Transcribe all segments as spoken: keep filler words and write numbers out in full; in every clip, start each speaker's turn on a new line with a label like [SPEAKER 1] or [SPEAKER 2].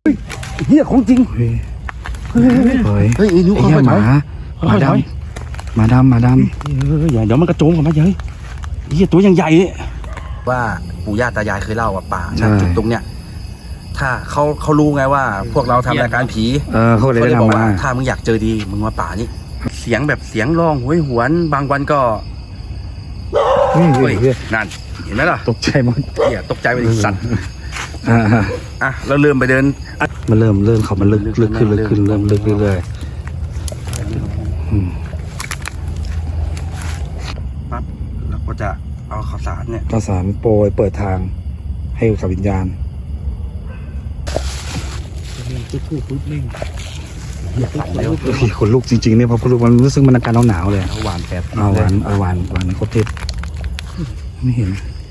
[SPEAKER 1] เฮียของจริงเฮ้ยเฮ้ย
[SPEAKER 2] เฮ้ยไอ้นุ๊กเขาหมาหมาดำหมาดำหมาดำ
[SPEAKER 1] อย่าเดี๋ยวมันกระโจมกันมาเฮ้ยเฮียตัวยังใหญ่เนี่ย
[SPEAKER 2] ว่าปู่ย่าตายายเคยเล่าว่าป่าจุดตรงเนี้ยถ้าเขาเขารู้ไงว่าพวกเราทำรายการผี
[SPEAKER 1] เออเขาเลย
[SPEAKER 2] เขาเลยบอก
[SPEAKER 1] ทำมา
[SPEAKER 2] ว่าถ้ามึงอยากเจอดีมึงมาป่านี่เสียงแบบเสียงร้องหวยหวนบางวันก็
[SPEAKER 1] เฮ้ย
[SPEAKER 2] เฮ้ย
[SPEAKER 1] เฮ้ย
[SPEAKER 2] นั่นเห็นไหมล่ะ
[SPEAKER 1] ตกใจหมด
[SPEAKER 2] เหี้ยตกใจไปดิสัตว์
[SPEAKER 1] อ่า
[SPEAKER 2] อ่ะเราเริ่มไปเดิน
[SPEAKER 1] มันเริ่มเริ่มเขามันลึกลึกขึ้นลึกขึ้นเริ่มลึกเรื่อย
[SPEAKER 2] ปั๊บเราก็จะเอาข้าวสารเนี่ย
[SPEAKER 1] ๆข้าวสารโปรยเปิดทางให้กับวิญญาณ
[SPEAKER 3] ปุ๊บปุ๊บปุ๊บนิ่ง
[SPEAKER 2] เหี้ยสั่นแล้ว
[SPEAKER 1] เฮ้ยขนลุกจริงๆเนี่ยพอขนลุกมันรู้สึกมันอาการหนาวๆเลย
[SPEAKER 2] เอาหวานแปด
[SPEAKER 1] เอาหวานเอาหวานหวานในครบทิศไม่เห็น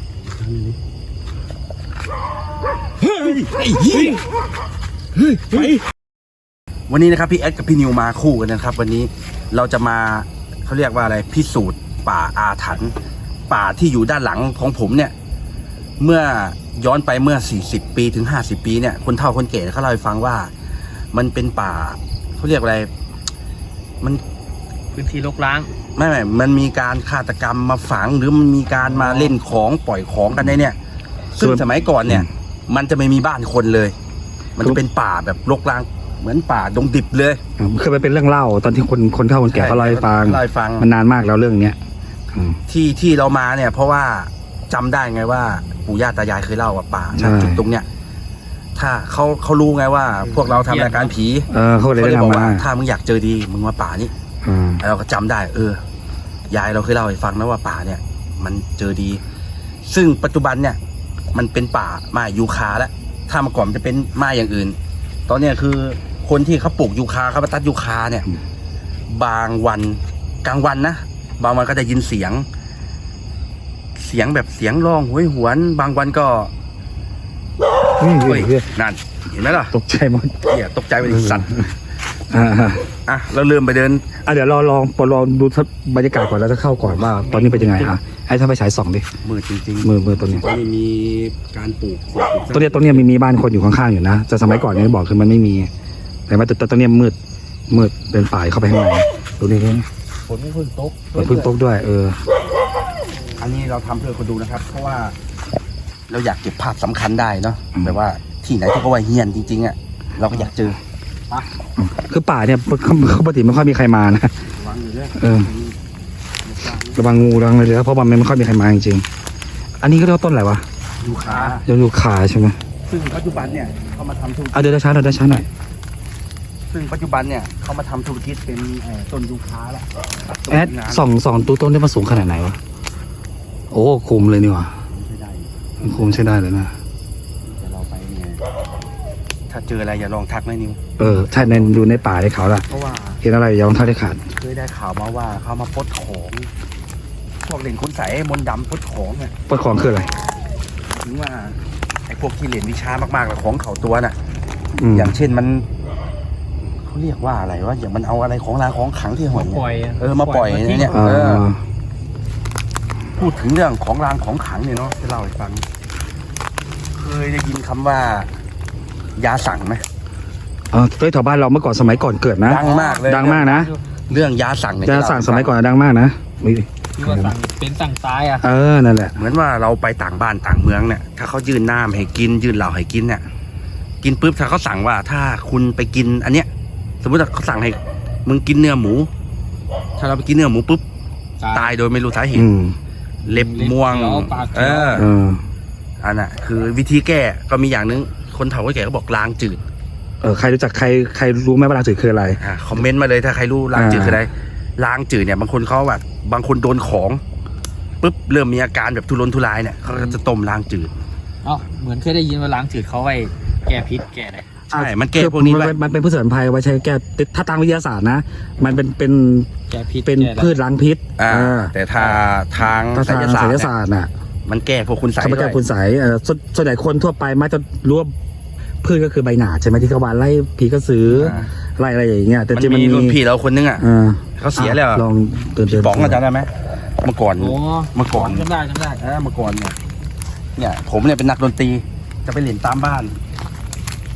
[SPEAKER 2] วันนี้นะครับพี่แอดกับพี่นิวมาคู่กันนะครับ วันนี้เราจะมาเขาเรียกว่าอะไรพิสูจน์ป่าอาถรรพ์ป่าที่อยู่ด้านหลังของผมเนี่ย เมื่อย้อนไปเมื่อสี่สิบปีถึงห้าสิบปีเนี่ยคนเฒ่าคนแก่เขาเล่าให้ฟังว่ามันเป็นป่าเขาเรียกอะไรมัน
[SPEAKER 3] พื้นที่รกร้าง
[SPEAKER 2] ไม่ไม่มันมีการฆาตกรรมมาฝังหรือมันมีการมาเล่นของปล่อยของกันในเนี่ยซึ่งสมัยก่อนเนี่ย มันจะไม่มีบ้านคนเลย มันจะเป็นป่าแบบรกร้างเหมือนป่าดงดิบเลย
[SPEAKER 1] เคยไปเป็นเรื่องเล่าตอนที่คนคนเฒ่าคนแก่เขาเล่าให้ฟัง
[SPEAKER 2] เล่าให้ฟัง
[SPEAKER 1] มันนานมากแล้วเรื่องเนี้ยอืม
[SPEAKER 2] ที่ที่เรามาเนี่ย เพราะว่าจำได้ไงว่าปู่ย่าตายายเคยเล่าว่าป่า
[SPEAKER 1] ใช่
[SPEAKER 2] จุดตรงเนี้ยถ้าเขาเขารู้ไงว่าพวกเราทำรายการผี
[SPEAKER 1] เออเขาเลย
[SPEAKER 2] เขาเลยบอก
[SPEAKER 1] ทำมา
[SPEAKER 2] ว่าถ้ามึงอยากเจอดีมึงมาป่านี้
[SPEAKER 1] อืม
[SPEAKER 2] เราก็จำได้ เออ ยายเราเคยเล่าให้ฟังนะว่าป่าเนี่ย มันเจอดี ซึ่งปัจจุบันเนี่ย มันเป็นป่าไม้ยูคาแล้วถ้าเมื่อก่อนมันจะเป็นไม้อย่างอื่น ตอนเนี้ยคือคนที่เขาปลูกยูคาเขามาตัดยูคาเนี่ย บางวันกลางวันนะบางวันก็ได้ยินเสียง เสียงแบบเสียงร้องหวยหวน บางวันก็
[SPEAKER 1] เฮ้ย
[SPEAKER 2] เฮ้ย
[SPEAKER 1] เฮ้ย
[SPEAKER 2] นั่นเห็นไหมล่ะ
[SPEAKER 1] ตกใจหมด
[SPEAKER 2] เหี้ยตกใจไปดิสัตว์
[SPEAKER 1] อ่า
[SPEAKER 2] อ่ะเราเริ่มไปเดิน
[SPEAKER 1] อ่ะเดี๋ยวรอลองปลองดูบรรยากาศก่อนแล้วจะเข้าก่อนว่า ตอนนี้เป็นยังไงอ่ะให้ท่านไปฉายส่องดิ
[SPEAKER 2] มือจริง
[SPEAKER 1] มือมือตัวนี้
[SPEAKER 2] ๆตอนนี้มีการปลูก
[SPEAKER 1] ตัวเนี้ยตัวเนี้ยมีมีบ้านคนอยู่ข้างๆอยู่นะแต่สมัยก่อนเนี่ยบอกคือมันไม่มี แต่ว่าแต่ตัวเนี้ยมืดมืดเป็นป่าเข้าไปข้างในดูนี่นี่
[SPEAKER 3] ฝนไม่เพิ่งตก
[SPEAKER 1] เปิดพื้นโต๊ะด้วยเออ
[SPEAKER 2] อันนี้เราทำเพื่อคนดูนะครับ เพราะว่าเราอยากเก็บภาพสำคัญได้เนาะแบบว่าที่ไหนที่เขาว่าเฮี้ยนจริงๆอ่ะเราก็อยากเจอ
[SPEAKER 1] คือป่าเนี่ยปกติไม่ค่อยมีใครมานะ
[SPEAKER 2] วางอยู่ด้วย
[SPEAKER 1] เออ ระวังงูระวังอะไรเลยเพราะว่ามันไม่ค่อยมีใครมาจริงๆอันนี้ก็เรียกว่าต้นอะไรวะ
[SPEAKER 2] ยูคา
[SPEAKER 1] ยังอยู่ขาใช่ไหม
[SPEAKER 2] ซึ่งปัจจุบันเนี่ยเขามาทำธุรกิจ
[SPEAKER 1] เอาเดี๋ยวช้าหน่อยเดี๋ยวช้าหน่อย
[SPEAKER 2] ซึ่งปัจจุบันเนี่ยเขามาทำธุรกิจเป็นเอ่อต้นยูคาแล้ว
[SPEAKER 1] แอดสองสองตัวต้นได้มาสูงขนาดไหนวะโอ้คุมเลยนี่หว่า
[SPEAKER 2] ใช่ได้
[SPEAKER 1] คุมใช้ได้เลยนะ
[SPEAKER 2] แต่เราไปเนี่ยถ้าเจออะไรอย่าลองทักนะนิว
[SPEAKER 1] เออใช่ในดูในป่าในเขาล่ะ
[SPEAKER 2] เพราะว่า
[SPEAKER 1] เห็นอะไรอย่าลองเท่าได้ขาด
[SPEAKER 2] เคยได้ข่าวมาว่าเขามาปลดของพวกเล่นคุณใสยมนต์ดำปลดของเนี่ย
[SPEAKER 1] ปลดของคืออะไร
[SPEAKER 2] ถึงว่าไอ้พวกที่เล่นวิชามากๆกับของเขาตัวน่ะ
[SPEAKER 1] อืม
[SPEAKER 2] อย่างเช่นมันเขาเรียกว่าอะไรวะอย่างมันเอาอะไรของรางของขลังที่หอย
[SPEAKER 3] ปล่อยะ
[SPEAKER 2] เออมาปล่อยเนี่ย
[SPEAKER 1] อ่า
[SPEAKER 2] เออพูดถึงเรื่องของรางของขลังเนี่ยเนาะจะเล่าให้ฟัง เคยได้ยินคำว่า ยาสั่งไหม
[SPEAKER 1] เออตัวแถวบ้านเราเมื่อก่อนสมัยก่อนเกิดนะ
[SPEAKER 2] ดังมากเลย
[SPEAKER 1] ดังมากนะ
[SPEAKER 2] เรื่องยาสั่งเนี่ย
[SPEAKER 1] จะสั่งสมัยก่อนดังมากนะอุ๊ย
[SPEAKER 3] ที่ว่าสั่งเป็นสั่งซ้ายอ่ะ
[SPEAKER 1] เออนั่นแหละ
[SPEAKER 2] เหมือนว่าเราไปต่างบ้านต่างเมืองเนี่ยถ้าเขายื่นน้ำให้กินยื่นเหล้าให้กินเนี่ยกินปุ๊บถ้าเขาสั่งว่าถ้าคุณไปกินอันเนี้ย สมมติว่าเขาสั่งให้มึงกินเนื้อหมู ถ้าเราไปกินเนื้อหมูปุ๊บตายโดยไม่รู้สาเห
[SPEAKER 1] อื
[SPEAKER 2] ตุ
[SPEAKER 1] ม
[SPEAKER 2] เล็บม่วง
[SPEAKER 3] ปาก
[SPEAKER 2] เออ
[SPEAKER 1] เออ
[SPEAKER 2] อันน่ะคือวิธีแก้ก็มีอย่างนึงคนเฒ่าคนแก่ก็บอกล้างจืด
[SPEAKER 1] เออใครรู้จักใครใครรู้ไหมว่าลาจืดคืออะไร
[SPEAKER 2] อ่าคอมเมนต์มาเลยถ้าใครรู้ล้างจืด
[SPEAKER 1] อ่า
[SPEAKER 2] คืออะไรล้างจืดเนี่ยบางคนเขาแบบบางคนโดนของปุ๊บเริ่มมีอาการแบบทุรนทุรายเนี่ยเขาก็จะต้มล้างจืด
[SPEAKER 3] เอ้าเหมือนเคยได้ยินว่าล้างจืดเขาไว้แก้พิษแก้อะไร
[SPEAKER 2] ใช่มันแก้พวกนี้
[SPEAKER 1] มั
[SPEAKER 2] ด้วย
[SPEAKER 1] เป็นมันเป็นพืชสมุนไพรไว้ใช้แก้ถ้าทางวิทยาศาสตร์นะ มันเป็นเป็น
[SPEAKER 3] แก้พิษ
[SPEAKER 1] เป็น
[SPEAKER 3] แก้อะไร
[SPEAKER 1] พืชล้างพิษ
[SPEAKER 2] อ่า
[SPEAKER 1] เออ
[SPEAKER 2] แต่ถ้าทาง
[SPEAKER 1] ถ้า
[SPEAKER 2] ไส
[SPEAKER 1] ทาง
[SPEAKER 2] ยศาส
[SPEAKER 1] ศิ
[SPEAKER 2] ต
[SPEAKER 1] ล
[SPEAKER 2] ร์
[SPEAKER 1] ศา
[SPEAKER 2] เนี่ย
[SPEAKER 1] สตร์น่ะ
[SPEAKER 2] มันแก้พวกคุณใสย
[SPEAKER 1] เขาไม่
[SPEAKER 2] ด้
[SPEAKER 1] แก้
[SPEAKER 2] วย
[SPEAKER 1] คุณใสยเออส่วนส่วนใหญ่คนทั่วไปมักจะรู้ว่าพืชก็คือใบหนาดใช่ไหมที่เขาวานไล่ผีกระสือไล่อะไรอย่างเงี้ยแต่
[SPEAKER 2] มัน
[SPEAKER 1] จริงมัน
[SPEAKER 2] มี
[SPEAKER 1] มี
[SPEAKER 2] รุ่นพี่เราคนนึงอ่ะ
[SPEAKER 1] เออ
[SPEAKER 2] เขาเสียแล้ว
[SPEAKER 1] ลองเตือนเตือน
[SPEAKER 2] ป๋องอาจารย์ได้ไหมเมื่อก่อน
[SPEAKER 3] โอ้
[SPEAKER 2] เมื่อก่อน
[SPEAKER 3] จำได้จำได้
[SPEAKER 2] เออเมื่อก่อนเนี่ยเนี่ยผมเนี่ยเป็นนักดนตรีจะไปเล่นตามบ้าน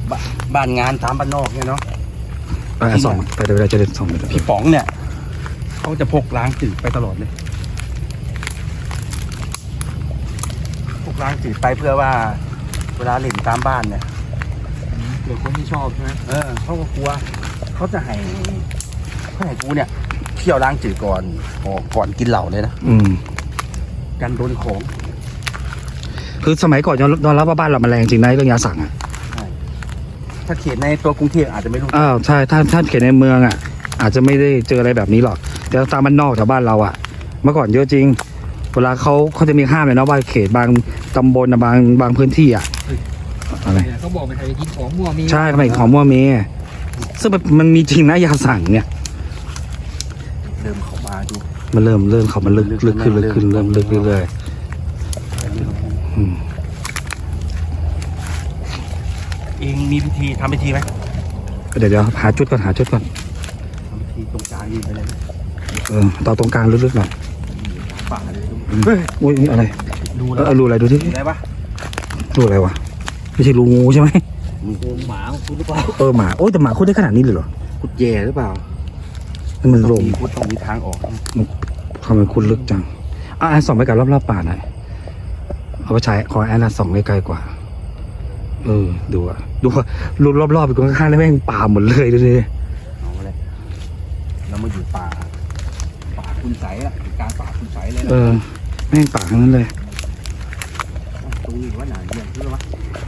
[SPEAKER 2] บบ้านงานตามบ้านนอกเนี่ยเนาะ
[SPEAKER 1] อ่าสองไปเดี๋ยวเราจะเดินสองไป
[SPEAKER 2] พี่ป๋องเนี่ยเขาจะพกล้างจืดไปตลอดเลยพกล้างจืดไปเพื่อว่า เวลาเล่นตามบ้านเนี่ย
[SPEAKER 3] เผื่อคนที่ชอบใช่ไหม
[SPEAKER 2] เออเขาก็กลัวเขาจะให้เขาให้กูเนี่ยเที่ยวล้างจืดก่อนก่อนก่อนกินเหล้าเลยนะ
[SPEAKER 1] อืม
[SPEAKER 2] กันโดนของ
[SPEAKER 1] คือสมัยก่อนยอมรับว่าบ้านเรามันแรงจริงนะเรื่องยาสั่งอ่ะ
[SPEAKER 2] ถ้าเขตในตัวกรุงเทพอาจจะไม่รู้
[SPEAKER 1] อ้าวใช่ถ้าถ้าเขตในเมืองอ่ะ อาจจะไม่ได้เจออะไรแบบนี้หรอกแต่ตามบ้านนอกแถวบ้านเราอ่ะ เมื่อก่อนเยอะจริง เวลาเขาเขาจะมีห้ามเลยนะว่าเขตบางตำบลนะบางบางพื้นที่อ่ะอะไร
[SPEAKER 3] เนี่ยเขาบอกไม่ให้กินของมั่วมี
[SPEAKER 1] ใช่ทำไมของมั่วเมซึ่งมันมันมีจริงนะยาสั่งเนี่ย
[SPEAKER 2] เดิมเข้ามาดู
[SPEAKER 1] มันเริ่มเริ่มเขามันลึกลึกขึ้นลึกขึ้นเริ่มลึกเรื่อยๆอืม
[SPEAKER 2] เองมีพิธีทำพิธีไหม
[SPEAKER 1] เดี๋ยวเดี๋ยวหาจุดก่อนหาจุดก่อน
[SPEAKER 2] ทำพิธีตรงกลางยืนไปเลยนะ
[SPEAKER 1] เออต่อตรงกลางลึกๆหน่อย
[SPEAKER 2] ป่าเลย
[SPEAKER 1] เฮ้ยอุ้ยอะไร
[SPEAKER 2] ดู
[SPEAKER 1] เอ
[SPEAKER 2] แล้ว
[SPEAKER 1] อรูอะไรดูที่
[SPEAKER 2] ได้ปะ
[SPEAKER 1] รูอะไรวะไม่ใช่รูงูใช่ไหม
[SPEAKER 3] โกงหมาของคุณหรือเปล่า
[SPEAKER 1] เออหมาโอ้ยแต่หมาคุดได้ขนาดนี้เลยเหรอ
[SPEAKER 2] ขุดแย่หรือเปล่า
[SPEAKER 1] นี่มันลม
[SPEAKER 2] มีขุดต้องมีทางออก
[SPEAKER 1] ทำไมคุณลึกจังอ่ะแอนส่องไปกับรอบๆป่าหน่อยเอาไปใช้ขอแอนนะส่องใกล้ๆกว่า เออดูอะดูว่ารูรอบๆไปข้างๆแล้วแม่งป่าหมดเลยดูดิ
[SPEAKER 2] เอาเลยเรามาอยู่ป่า ป่าคุณใสอะอยู่กลางป่าคุณใสเลยนะ
[SPEAKER 1] เออแม่งป่าทั้งนั้นเลย
[SPEAKER 2] ตรงนี้ว่าหนาเยี่ยมใช่ไหมวะ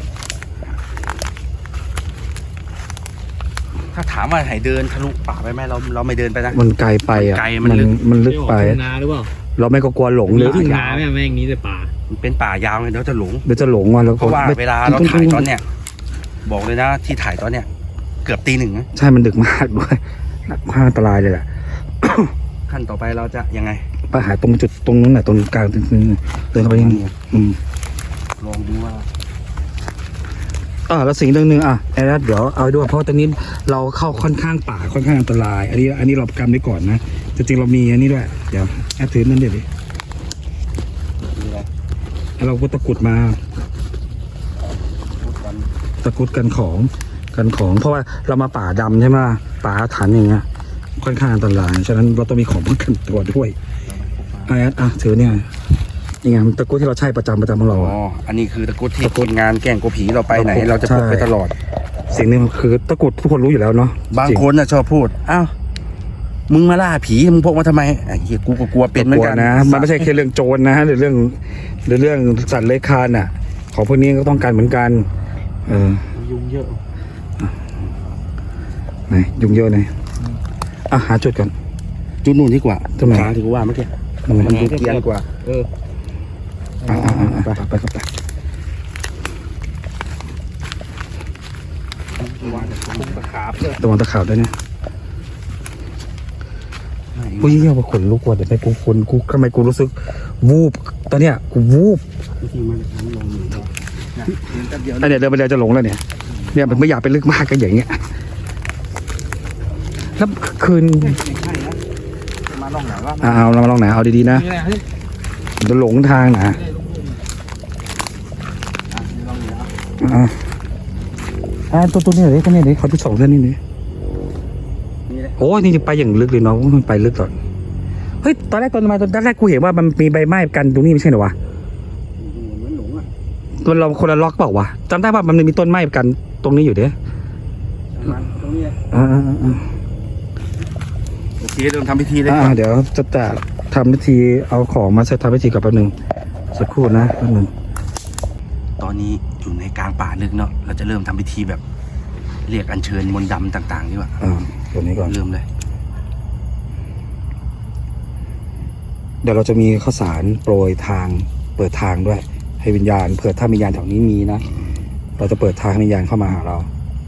[SPEAKER 2] ถ้าถามว่าให้เดินทะลุป่าไปไหมเราเราไม่เดินไปนะ
[SPEAKER 1] มันไกลไปอ่ะ
[SPEAKER 2] ไกลมันลึก
[SPEAKER 1] มันลึกไป
[SPEAKER 3] ม่ออทุ่งนาหรือเปล่า
[SPEAKER 1] เราไม่ก็กลัวหลง
[SPEAKER 3] ห
[SPEAKER 1] เล
[SPEAKER 3] รือย ทุ่งนาแม่งแม่งนี้แต่ป่า
[SPEAKER 2] มันเป็นป่ายาวไงเดี๋ยวจะหลง
[SPEAKER 1] เดี๋ยวจะหลงว่ะแล้ว
[SPEAKER 2] เพ
[SPEAKER 1] ก็
[SPEAKER 2] ราะว่า
[SPEAKER 1] ไม่
[SPEAKER 2] เวลาเราถ่ายตอนเนี้ยบอกเลยนะที่ถ่ายตอนเนี้ยเกือบตีหนึ่งนะ
[SPEAKER 1] ใช่มันดึกมากด้วยหนักมากอันตรายเลยแหละ
[SPEAKER 2] ขั้นต่อไปเราจะยังไง
[SPEAKER 1] ไปหาตรงจุดตรงนู้นน่ะตรงกลางตรงนี้เดินเข้าไปยังอืม
[SPEAKER 2] ลองดูว่า
[SPEAKER 1] อ่าแล้วสิ่งหนึ่งหนึ่งอ่ะแอร์เดี๋ยวเอาด้วยเพราะตอนนี้เราเข้าค่อนข้างป่าค่อนข้างอันตราย อันนี้อันนี้เราประกันไว้ก่อนนะจริงๆเรามีอันนี้ด้วยเดี๋ยวแอร์ถือนั่นเดี๋ยวดิ
[SPEAKER 2] มีอะไร
[SPEAKER 1] แล้วเราก็ตะกรุดมา
[SPEAKER 2] พูดกัน
[SPEAKER 1] ตะกรุดกันของกันของ เพราะว่าเรามาป่าดำใช่ไหมป่าอาถรรพ์อย่างเงี้ยค่อนข้างอันตรายฉะนั้นเราต้องมีของป้องกันตัวด้วยแอร์อ่ะถือเนี่ยนี่ไงมันตะกรุดที่เราใช้ประจำประจำของเรา
[SPEAKER 2] อ๋
[SPEAKER 1] อะ
[SPEAKER 2] ออันนี้คือตะกรุดที่
[SPEAKER 1] ตะกรุด
[SPEAKER 2] ทีมงานแกล้งโกผีเราไปไหน
[SPEAKER 1] ตะกรุด
[SPEAKER 2] เราจะพก
[SPEAKER 1] ใช่
[SPEAKER 2] ไปตลอด
[SPEAKER 1] สิ่งหนึงคือตะกรุดทุกคนรู้อยู่แล้วเนาะ
[SPEAKER 2] บาง
[SPEAKER 1] จริ
[SPEAKER 2] คนน่ะชอบพูดอ้าวมึงมาล่าผีมึงพกมาทำไมไอ้เหี้ยกูก็กลัวเป็นเหมือนกัน
[SPEAKER 1] กลัวนะมันไม่ใช่แค่เรื่องโจรนะหรือเรื่องหรือเรื่องสัตว์เลื้อยคลานอ่ะ ของพวกนี้ก็ต้องการเหมือนกัน เออ
[SPEAKER 2] ยุงเยอะ
[SPEAKER 1] ไหนยุ่งเยอะเลยอ่ะหาจุดก่อน
[SPEAKER 2] จุดนู่นดีกว่า
[SPEAKER 1] ตรงไหน
[SPEAKER 2] ขาที่กูว่าเมื่อกี้
[SPEAKER 1] ตรงไหน
[SPEAKER 2] มันดูเกรียนกว่า
[SPEAKER 3] เออ
[SPEAKER 1] อ่ะอ่ะอ่ะอ่ะไปไปครับไป
[SPEAKER 3] วางคุ้งตะขาบเลย
[SPEAKER 1] ระวังตะขาบด้วยเนี่ยกูยิ่งเยี่ยมกว่าขนลุกว่ะเดี๋ยวไปกูคนกูทำไมกูรู้สึกวูบตอนเนี้ยกูวูบ
[SPEAKER 2] วิธีมันทำลงอยู่นะเดินแป๊บเดียว
[SPEAKER 1] อันเนี้ยเดินไปเดินจะหลงแล้วเนี่ยเนี่ยมันไม่อยากไปลึกมากกันอย่างเงี้ยแล้วคืน
[SPEAKER 2] ไม่ใช่นะมาลองไหนว่า
[SPEAKER 1] อ่ะเอาเรามาลองไหนเอาดีๆนะ
[SPEAKER 3] นี่แหละเฮ้ย
[SPEAKER 1] เดี๋ยวหลงทางนะ
[SPEAKER 3] ไม่ได้ลงทุน
[SPEAKER 2] ลองไหนอ่ะ
[SPEAKER 1] อ่าอ่าตัวตัวนี้เลยตัวนี้เลยเขาที่สองเท่านี้เลย
[SPEAKER 2] นี่เลย
[SPEAKER 1] โอ้ยนี่จะไปอย่างลึกเลยเนาะมันไปลึกก่อนเฮ้ยตอนแรกตอนมาตอนแรกกูเห็นว่ามันมีใบไม้กันตรงนี้ไม่ใช่เหรอวะ
[SPEAKER 2] เหมือนหลงอ่ะ
[SPEAKER 1] ตัวเราคนละล็อกเปล่าวะจำได้ว่ามันมีต้นไม้กันตรงนี้อยู่เด้อ
[SPEAKER 2] มันตรงนี้
[SPEAKER 1] อ่าอ่าอ่า
[SPEAKER 2] โอเคเริ่มทำพิธีเลย
[SPEAKER 1] อ่าเดี๋ยวจะจะทำพิธีเอาของมาเสร็จทำพิธีกับแป๊บนึงสักครู่นะแป๊บนึง
[SPEAKER 2] ตอนนี้อยู่ในกลางป่าลึกเนาะเราจะเริ่มทำพิธีแบบ เรียกอัญเชิญมนต์ดำต่างๆดีกว่า
[SPEAKER 1] อ่าตัวนี้ก่อน
[SPEAKER 2] เริ่มเลย
[SPEAKER 1] เดี๋ยวเราจะมีข้าวสารโปรยทางเปิดทางด้วย ให้วิญญาณเผื่อถ้าวิญญาณแถวนี้มีนะเราจะเปิดทางให้วิญญาณเข้ามาหาเรา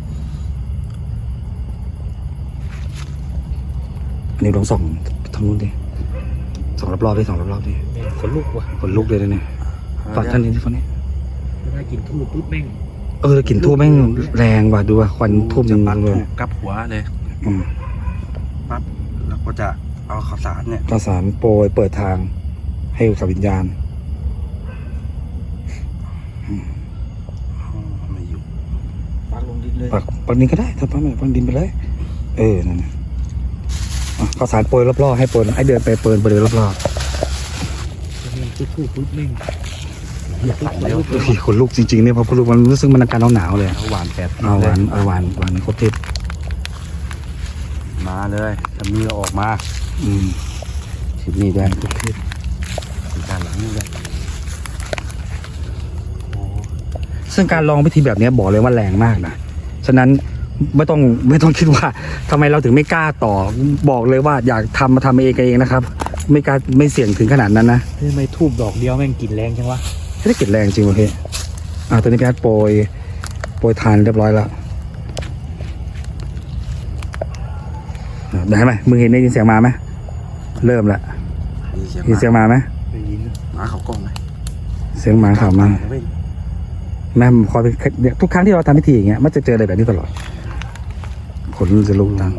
[SPEAKER 1] อันนี้ลองส่องทางนู้นดิส่องรอบๆดิส่องรอบๆดิ
[SPEAKER 3] แม่งขนลุกว่ะ
[SPEAKER 1] ขนลุกเลยนะเนี่ยฝั่งท่านนี้ที่ฝั่งนี้
[SPEAKER 3] ถ้ากินทูบปุ๊บแม่ง
[SPEAKER 1] เออกลิ่นทูบแม่งแรงว่ะดูว่าควันทูบยัง
[SPEAKER 2] ปัก
[SPEAKER 1] เลย
[SPEAKER 2] ถูกกับหัวเลย
[SPEAKER 1] อืม
[SPEAKER 2] ปั๊บแล้วก็จะเอาข้าวสารเนี่ย
[SPEAKER 1] ข้าวสารโปรยเปิดทางให้กับวิญญาณ
[SPEAKER 2] ไม่อยู่
[SPEAKER 3] ปักลงดินเลย
[SPEAKER 1] ปักปักดินก็ได้ถ้าปักไม่ปักดินไปเลย เออนั่นนะอ่ะข้าวสารโปรยรอบๆให้โปรยให้เดินไปเปิดบริเวณรอบ
[SPEAKER 3] จุดพูดปุ๊บนิ่ง
[SPEAKER 2] อยากหลังเลย
[SPEAKER 1] ๆเฮ้ยขนลุกจริงๆเนี่ยพอขนลุกมันรู้สึกมันอาการหนาวๆเลย
[SPEAKER 2] หวานแปด
[SPEAKER 1] เอาหวานเอาหวานหวานครบทิศ
[SPEAKER 2] มาเลยถ้ามีเราออกมา
[SPEAKER 1] อืม
[SPEAKER 2] ทิศนี้ด้วยทุกทิศด้านหลังนี่ด้วย
[SPEAKER 1] ซึ่งการลองพิธีแบบนี้บอกเลยว่าแรงมากนะฉะนั้นไม่ต้องไม่ต้องคิดว่าทำไมเราถึงไม่กล้าต่อบอกเลยว่าอยากทำมาทำเองเองนะครับ ไม่กล้าไม่เสี่ยงถึงขนาดนั้นนะ
[SPEAKER 3] ทำไมทูบดอกเดียวแม่งกลิ่นแรงจังวะ
[SPEAKER 1] ไม่ได้กลิ่นแรงจริงโอเคอ่าตอนนี้พี่อาร์ตโปรยโปรยทานเรียบร้อยแล้วอ่ะได้ไหมมึงเห็นได้ยินเสียงมาไหมเริ่มละ
[SPEAKER 2] นี่เสียง
[SPEAKER 1] ยินเสียงมาไหม
[SPEAKER 3] ได้ยิน
[SPEAKER 2] หมาเขากล้องไหม
[SPEAKER 1] เสียงหมาเข่ามาแม่คอยไปเนี่ยทุกครั้งที่เราทำพิธีอย่างเงี้ยมันจะเจออะไรแบบนี้ตลอดขนจะลุกตัง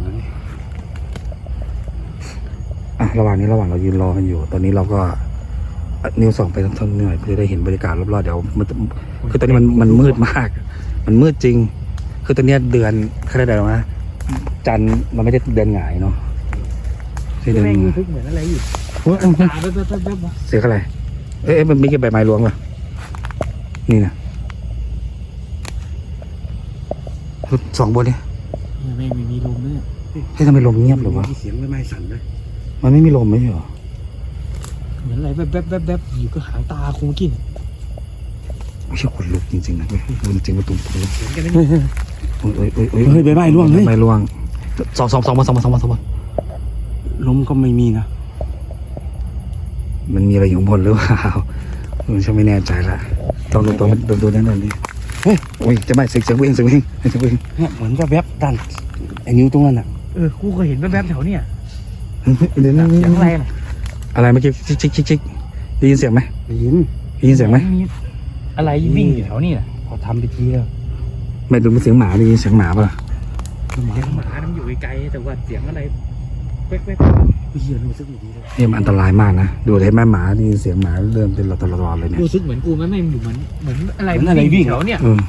[SPEAKER 1] อ่ะระหว่างนี้ระหว่างเรายืนรอกันอยู่ ตอนนี้เราก็อ่ะนิ้วส่องไปทั้งๆหน่อยเพื่อจะได้เห็นบรรยากาศรอบๆเดี๋ยวมันจะคือตอนนี้มันมันมืดมาก มันมืดจริง คือตอนเนี้ยเดือนเขาเรียกอะไรวะจันทร์มันไม่ได้เดือนหงายเนาะใช่เดือน
[SPEAKER 3] แม่งรู้สึกเหมือนอะไรอยู่
[SPEAKER 1] เฮ้ยเอ้ย
[SPEAKER 3] ตาแป๊บแป๊บแป๊บแป๊บวะ
[SPEAKER 1] เสียงอะไรเอ๊ะเอ๊ะมันมีแค่ใบไม้รวงป่ะนี่นะสองบนเนี่ย
[SPEAKER 3] แม่งไม่มีลมเลย
[SPEAKER 1] เฮ้ยทำไมลมเงียบหรือวะ
[SPEAKER 2] เสียงไม่ไม่สั่นเลย
[SPEAKER 1] มันไม่มีลมไม่ใช่เหรอ
[SPEAKER 3] เหมือนอะไรแป๊บแป๊บแป๊บแป๊บอยู่ก็หางตาคงกิน
[SPEAKER 1] ไม่ใช่ขนลุกจริงๆนะเว้ยจริงๆว่าตุ้มขนลุก
[SPEAKER 3] เห็นกันไหม
[SPEAKER 1] โอ้ยโอ้ยโอ้ยโอ้ย
[SPEAKER 2] เฮ้ยใบไม้ร่วงเฮ้ย
[SPEAKER 1] ใบไม้ร่วงสองสองสองมาสองมาสองมาสองมา
[SPEAKER 2] ลมก็ไม่มีนะ
[SPEAKER 1] มันมีอะไรอยู่ข้างบนหรือเปล่าผมฉันไม่แน่ใจละต้องดูตัวมันดูดูนั่นนั่นดิเฮ้ยโอ้ยจะไม่เสียงเสียงวิ่งเสียงวิ่งเสียงวิ่ง
[SPEAKER 2] เนี่ยเหมือนแวบๆด้านไอ้นิ้วตรงนั้นอ่ะ
[SPEAKER 3] เออกูเคยเห็นแป๊บแป๊บแถวเนี้ย
[SPEAKER 1] เดี๋ยวนะ
[SPEAKER 3] เสียงอะไรน่ะ
[SPEAKER 1] อะไรเมื่อกี้ชิกชิกชิกชิกได้ยินเสียงไหม
[SPEAKER 2] ได้ยิน
[SPEAKER 1] ได้ยินเสียงไหม
[SPEAKER 3] อะไรวิ่งอยู่แถวนี้น่ะ
[SPEAKER 2] พอทำพิธีแล้ว
[SPEAKER 1] ไม่ดูเป็นเสียงหมาได้ยินเสียงหมาป่ะ
[SPEAKER 3] เสียงหมามันอยู่ไกลๆแต่ว่าเสียงอะไรแป๊บแป๊บ
[SPEAKER 2] เฮียรู้สึกไม่ดีเลย
[SPEAKER 1] เนี่ยมันอันตรายมากนะดูได้แม่หมาได้ยินเสียงหมาเริ่มเป็นตลอดเลยเนี่ย
[SPEAKER 3] รู้สึกเหมือนกูไหมไม่เหมือนเหมือนอะไรวิ่งแถวเนี้ย
[SPEAKER 1] เออ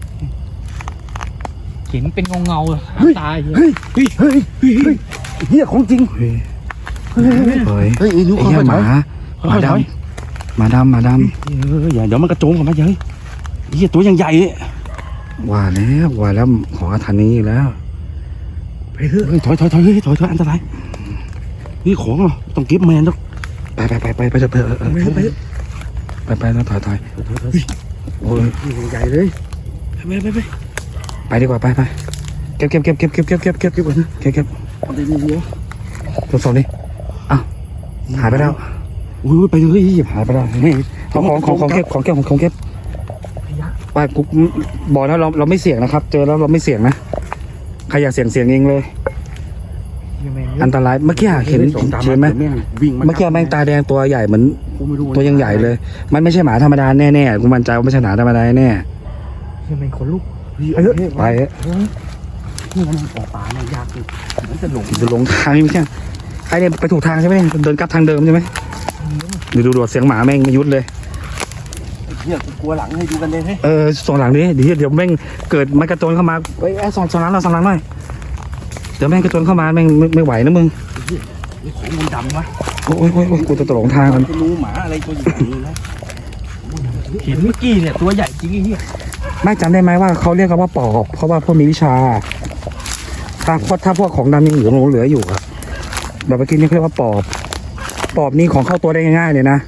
[SPEAKER 3] เห็นเป็นเงาเงาๆหางตาเหี้ย
[SPEAKER 2] เฮ้ยเฮ้ยเฮ้ยเฮ้ยเฮียของจริง
[SPEAKER 1] เฮ้ยเฮ้ย
[SPEAKER 2] เฮ้ยไอ้นิ้ว
[SPEAKER 1] ไอ้
[SPEAKER 2] เข้า
[SPEAKER 1] เหี้ย
[SPEAKER 2] ไป
[SPEAKER 1] หมาหมาดำหมาดำหมาด
[SPEAKER 2] เอออย่าเดี๋ยวมันกระโจมกันมาเฮ้ยเฮียตัวยังใหญ่เลย
[SPEAKER 1] ำว่าแล้วว่าแล้วของอาถรรพ์นี้อีกแล้ว
[SPEAKER 2] ไปเถอะเฮ้ยถอยถอยถอยเฮ้ยถอยถอยอันตรายนี่ของเหรอต้องเก็บแมนต้อง
[SPEAKER 1] ไปไปไปไปไปเถอะเออเออ
[SPEAKER 2] ไปไป
[SPEAKER 1] ไปไปแล้วถอยถอย
[SPEAKER 2] ถอยถอย
[SPEAKER 1] โอ้ย
[SPEAKER 2] ใหญ่เลยไปไปไป
[SPEAKER 1] ไปดีกว่าไปไปเก็บเก็บเก็บเก็บเก็บเก็บเก็บเก็บเก็บเก็บเก็บเก็บ
[SPEAKER 2] เอาได้ดีเดียว
[SPEAKER 1] ทดสอบดิอ้าวหายไปแล้ว
[SPEAKER 2] อุ้ยไปเลย
[SPEAKER 1] หายไปแล้วนี่ของของของของเก็บของเก็บของเก็บไปกูบอกแล้วเราเราไม่เสี่ยงนะครับ เจอแล้วเราไม่เสี่ยงนะใครอยากเสี่ยงเสี่ยงเองเลย อันตรายเมื่อกี้เห็นเห็นไหม
[SPEAKER 2] วิ่ง
[SPEAKER 1] เมื่อกี้แม่งตาแดงตัวใหญ่เหมือนตัวยังใหญ่เลย มันไม่ใช่หมาธรรมดาแน่ๆกูมั่นใจว่าไม่ใช่หมาธรรมดาแน่
[SPEAKER 3] ยังเป็นคนลุก
[SPEAKER 2] ไปเถอะ
[SPEAKER 1] ไป
[SPEAKER 2] นี่มันออกป่าเนี่ยยากเลยมันจะหลง
[SPEAKER 1] จะหลงทางไม่ใช่ไอเนี่ยไปถูกทางใช่ไหมเดินกลับทางเดิมใช่ไหมดูดูดูเสียงหมาแม่งไม่ยุดเลย
[SPEAKER 2] เนี่ยกลัวหลังให้ดูกันเลยเฮ้ย
[SPEAKER 1] เออส่งหลังดิเดี๋ยวเดี๋ยวแม่งเกิดมันกระโจนเข้ามาเอ้ยไอ้ส่งส่งหลังเราส่งหลังหน่อยเดี๋ยวแม่งกระโจนเข้ามาแม่งไม่ไม่ไหวนะมึง
[SPEAKER 2] นี่ของมันดำวะ
[SPEAKER 1] โอ้ยโอ้ยโอ้ยกูจะตกหลงทางกัน
[SPEAKER 2] จะรู้หมาอะไรตัวใหญ่เลยนะ
[SPEAKER 3] เห็นเมื่อกี้เนี่ยตัวใหญ่จริงไอ้เหี้ย
[SPEAKER 1] ไม่จำได้ไหมว่าเขาเรียกกันว่าปอบเพราะว่าพวกมีวิชา ถ้าถ้าพวกของดำยังเหลือเหลืออยู่อะแบบเมื่อกี้นี่เขาเรียกว่าปอบ ปอบนี่ของเข้าตัวได้ง่ายๆเลยนะ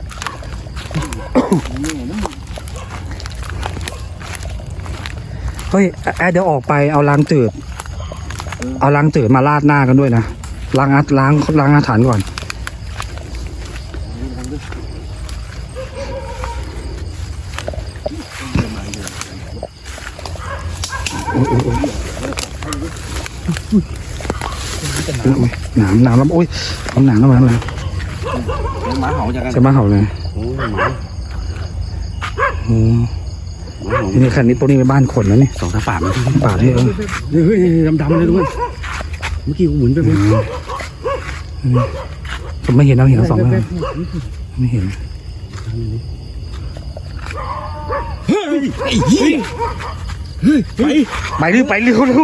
[SPEAKER 1] เฮ้ยแอดเดี๋ยวออกไปเอาล้างจืด เอาล้างจืดมาราดหน้ากันด้วยนะล้างอาล้างล้างอาถรรพ์ก่อนโอ้ยโอ้ยโอ้ยโอ้ยหนามหนามแล้วโอ้ยเอาหนามแล้วมาแล้ว
[SPEAKER 2] หมาเห่าจากกัน
[SPEAKER 1] จะมาเห่าเลย
[SPEAKER 2] โอ้หมา
[SPEAKER 1] อืม
[SPEAKER 2] หมาเห่า
[SPEAKER 1] ทีนี้คันนี้ตัวนี้เป็นบ้านคนแล้วนี่
[SPEAKER 2] สองตาป่ามัน
[SPEAKER 1] ป่าที่เออ
[SPEAKER 2] เฮ้ยดำๆเลยทุกคนเมื่อกี้กูหมุนไป
[SPEAKER 1] อื
[SPEAKER 2] เลย
[SPEAKER 1] มอืมผมไม่เห็นเราเห็นเราสองแล้วไม่เห็น
[SPEAKER 2] เฮ้ยไอ้เหี้ย
[SPEAKER 1] ไปไปเร็วไปเร็วเร็ว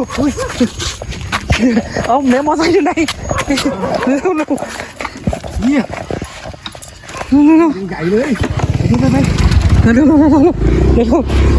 [SPEAKER 1] เอาแม่มอไซค์อยู่ไหนเร็วเร็วเนี่ยเร็วเร็ว
[SPEAKER 3] ใหญ่เลย
[SPEAKER 1] ไปไปไปเร็วเร็วเร็วเร็วเร็ว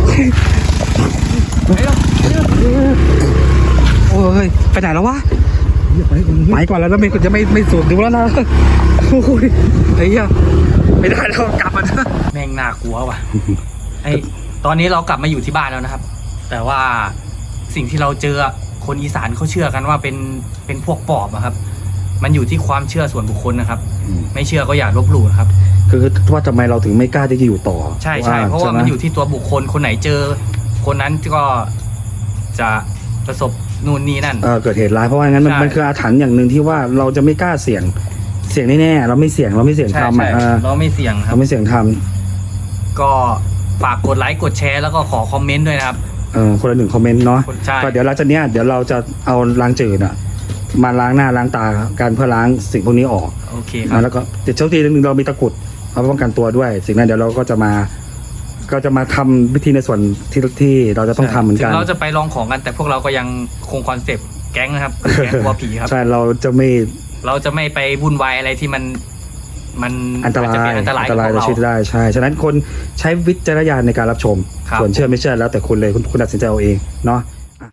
[SPEAKER 1] โอ้ยไปไหนแล้ววะ
[SPEAKER 3] ไปคน
[SPEAKER 1] ไปก่อนแล้วนะไม่จะไม่ไม่สูดดูแล้วนะโอ้ยไอ้เหี้ยไม่ได้แล้วกลับมา
[SPEAKER 3] แม่งน่ากลัวว่ะไอตอนนี้เรากลับมาอยู่ที่บ้านแล้วนะครับ แต่ว่าสิ่งที่เราเจอคนอีสานเขาเชื่อกันว่าเป็นเป็นพวกปอบอะครับ มันอยู่ที่ความเชื่อส่วนบุคคลนะครับ ไม่เชื่อก็อย่าลบหลู่นะครับ
[SPEAKER 1] คือว่าทำไมเราถึงไม่กล้าที่จะอยู่ต่อ
[SPEAKER 3] ใช่ใช่เพราะว่ามันอยู่ที่ตัวบุคคลคนไหนเจอ คนนั้นก็จะประสบนู่นนี่นั่น
[SPEAKER 1] เออเกิดเหตุร้ายเพราะว่างั้นมัน
[SPEAKER 3] ใช่
[SPEAKER 1] มันคืออาถรรพ์อย่างหนึ่งที่ว่าเราจะไม่กล้าเสี่ยงเสี่ยงแน่ๆเราไม่เสี่ยงเราไม่เสี่ยง
[SPEAKER 3] ใช่
[SPEAKER 1] ทำ
[SPEAKER 3] ใช่
[SPEAKER 1] อ่ะเออ
[SPEAKER 3] เราไม่เสี่ยงครั
[SPEAKER 1] เรา
[SPEAKER 3] บ
[SPEAKER 1] ไม่เสี่ยงท
[SPEAKER 3] ก็ฝากกดไลค์กดแชร์แล้วก็ขอคอมเมนต์ด้วยนะครับ
[SPEAKER 1] ำเออคนละหนึ่งคอมเมนต์เนาะ
[SPEAKER 3] ใช่
[SPEAKER 1] ก็เดี๋ยวเราจะเนี้ยเดี๋ยวเราจะเอาล้างจืดอ่ะมาล้างหน้าล้างตากันเพื่อล้างสิ่งพวกนี้ออก
[SPEAKER 3] โอเคค
[SPEAKER 1] อ่ะ
[SPEAKER 3] รับ
[SPEAKER 1] แล้วก็เดี๋ยวโชคดีนิดนึงเรามีตะกรุดเอาไว้ป้องกันตัวด้วย สิ่งนั้นเดี๋ยวเราก็จะมา ก็จะมาทำวิธีในส่วนที่ที่เราจะต้องทำเหมือนกัน
[SPEAKER 3] ถึงเราจะไปลองของกันแต่พวกเราก็ยังคงคอนเซปต์แก๊งนะครับ แก๊งกลัวผีครับ
[SPEAKER 1] ใช่เราจะไม่
[SPEAKER 3] เราจะไม่ไปวุ่นวายอะไรที่มันมัน
[SPEAKER 1] อันตราย
[SPEAKER 3] จะเป็นอันตราย
[SPEAKER 1] อันตราย
[SPEAKER 3] กับ
[SPEAKER 1] ต่อ
[SPEAKER 3] พ
[SPEAKER 1] ชี
[SPEAKER 3] ว
[SPEAKER 1] วิ
[SPEAKER 3] ก
[SPEAKER 1] ต
[SPEAKER 3] เรา
[SPEAKER 1] ได้ใช่ฉะนั้นคนใช้วิจารณญาณในการรับชม
[SPEAKER 3] ครับ
[SPEAKER 1] ส่วนเชื่อไม่เชื่อแล้วแต่คุณเลยคุณคุณตัดสินใจเอาเองเนาะ